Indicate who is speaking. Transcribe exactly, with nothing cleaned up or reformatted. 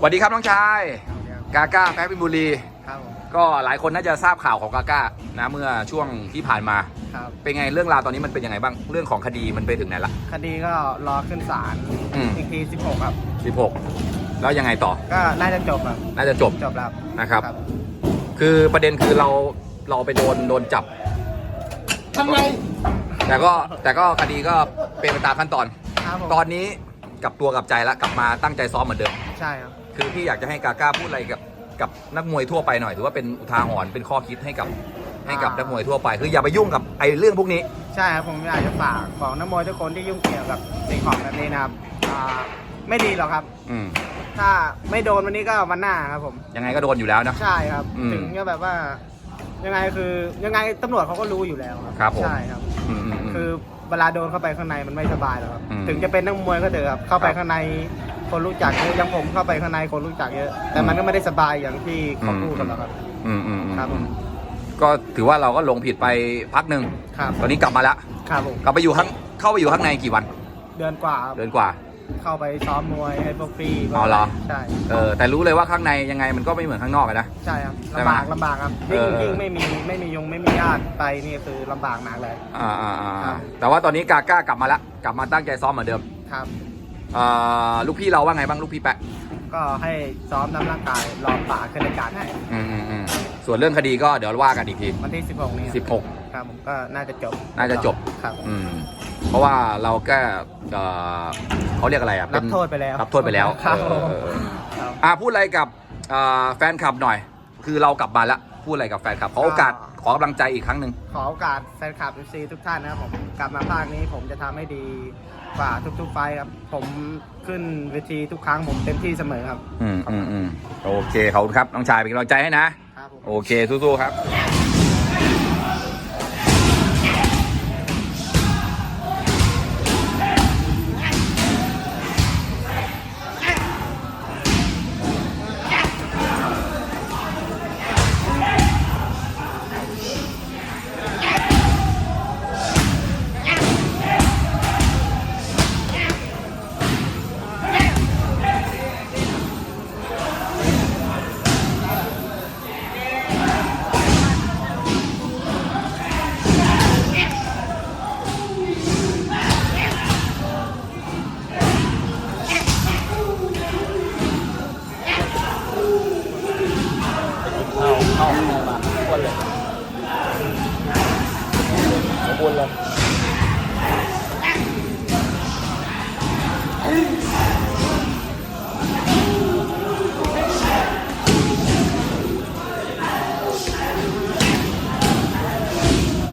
Speaker 1: วัสดีครับน้องชายกาก้าแพ้พิบุรี
Speaker 2: ครับ
Speaker 1: ก็หลายคนน่าจะทราบข่าวของกาก้านะเมื่อช่วงที่ผ่านมา
Speaker 2: ครับ
Speaker 1: เป็นไงเรื่องราวตอนนี้มันเป็นยังไงบ้างเรื่องของคดีมันไปถึงไหนละ
Speaker 2: คดีก็รอขึ้นศาล
Speaker 1: อืม
Speaker 2: อีกทีสิบหกครับ
Speaker 1: สิบหกแล้วยังไงต่อ
Speaker 2: ก็น่าจะจบครับ
Speaker 1: น่าจะจบ
Speaker 2: จบแล้ว
Speaker 1: นะครับคือประเด็นคือเราเราไปโดนโดนจับ
Speaker 2: ทำไม
Speaker 1: แต่ก็แต่ก็คดีก็เป็นไปตามขั้นตอน
Speaker 2: ครับผม
Speaker 1: ตอนนี้กลับตัวกลับใจแล้วกลับมาตั้งใจซ้อมเหมือนเดิม
Speaker 2: ใช่ครับ
Speaker 1: คือพี่อยากจะให้กาก้าพูดอะไรกับกับนักมวยทั่วไปหน่อยถือว่าเป็นอุทาหรณ์เป็นข้อคิดให้กับให้กับนักมวยทั่วไปคืออย่าไปยุ่งกับไอ้เรื่องพวกนี้
Speaker 2: ใช่ครับผมอยากจะฝากบอกนักมวยทุกคนที่ยุ่งเกี่ยวกับสิ่งของแบบนี้นะครับอ่าไม่ดีหรอกครับ
Speaker 1: อืม
Speaker 2: ถ้าไม่โดนวันนี้ก็วันหน้าครับผม
Speaker 1: ยังไงก็โดนอยู่แล้วนะ
Speaker 2: ใช่ครับ
Speaker 1: อืม
Speaker 2: ถึงจะแบบว่ายังไงคือยังไงตำรวจเขาก็รู้อยู่แล้ว
Speaker 1: ครับผม
Speaker 2: ใช่ครับ
Speaker 1: อืมอืมอืม
Speaker 2: คือเวลาโดนเข้าไปข้างในมันไม่สบายหรอกครับ
Speaker 1: อืม
Speaker 2: ถึงจะเป็นนักมวยก็เถอะครับเข้าไป
Speaker 1: ครับ
Speaker 2: ข้างในคนรู้จักเยอะอยังผมเข้าไปข้างในคนรู้จักเยอะ แต่มันก็ไม่ได้สบายอย่างที่เขาพูดกันหรอกครับ
Speaker 1: อืมอืมอืม
Speaker 2: ครับผม
Speaker 1: ก็ถือว่าเราก็ลงผิดไปพักหนึ่ง
Speaker 2: ครับ
Speaker 1: ตอนนี้กลับมาแล้ว
Speaker 2: ครับผม
Speaker 1: กลับไปอยู่ข้างเข้าไปอยู่ข้างในกี่วัน
Speaker 2: เดือนกว่าครับ
Speaker 1: เดือนกว่า
Speaker 2: เข้าไปซ้อมมวยให้พวกฟรี
Speaker 1: อ๋อเหรอ
Speaker 2: ใช่
Speaker 1: เออแต่รู้เลยว่าข้างในยังไงมันก็ไม่เหมือนข้างนอกเลยนะ
Speaker 2: ใช่ครับ
Speaker 1: ใช่ไหม
Speaker 2: ลำบากลำบากครับยิ่ง
Speaker 1: เออ
Speaker 2: ยิ่งไม่มีไม่มียงไม่มีญาติไปนี่คือลำบากมากเลย
Speaker 1: อ่าอ่าอ่า
Speaker 2: ครับ
Speaker 1: แต่ว่าตอนนี้กาก้ากลับมาแล้วกลับมาตั้งใจซ้อมเหมือนเดิม
Speaker 2: ครับ
Speaker 1: อ่าลูกพี่เราว่าไงบ้างลูกพี่แปะ
Speaker 2: ก็ให้ซ้อมน้ำร่างกายรอป่าขึ้นรายการให้
Speaker 1: อืมอืมอืมส่วนเรื่องคดีก็เดี๋ยวว่ากันอีกที
Speaker 2: วันที่สิบหกนี้
Speaker 1: สิบหก
Speaker 2: ครับผมก็น่าจะจบ
Speaker 1: น่าจะจบ
Speaker 2: ครับ
Speaker 1: อืมเพราะว่าเราก็เอ่อเขาเรียกอะไรอ่ะ
Speaker 2: รับโทษไปแล้ว
Speaker 1: รับโทษไปแล้ว
Speaker 2: ครับ
Speaker 1: เออเออเออ
Speaker 2: ครับ
Speaker 1: อ่าพูดอะไรกับอ่าแฟนคลับหน่อย คือเรากลับมาแล้วพูดอะไรกับแฟนคลับขอโอกาสขอกำลังใจอีกครั้งหนึ่ง
Speaker 2: ขอโอกาสแฟนคลับ เอฟ ซี ทุกท่านนะครับผมกลับมาภาคนี้ผมจะทำให้ดีกว่าทุกๆไฟท์ครับผมขึ้นเวทีทุกครั้งผมเต็มที่เสมอครับ
Speaker 1: อืมอืมอืมโอเคขอบคุณครับน้องชายเป็นกำลังใจให้นะครับ
Speaker 2: ผม
Speaker 1: โอเคสู้ๆครับ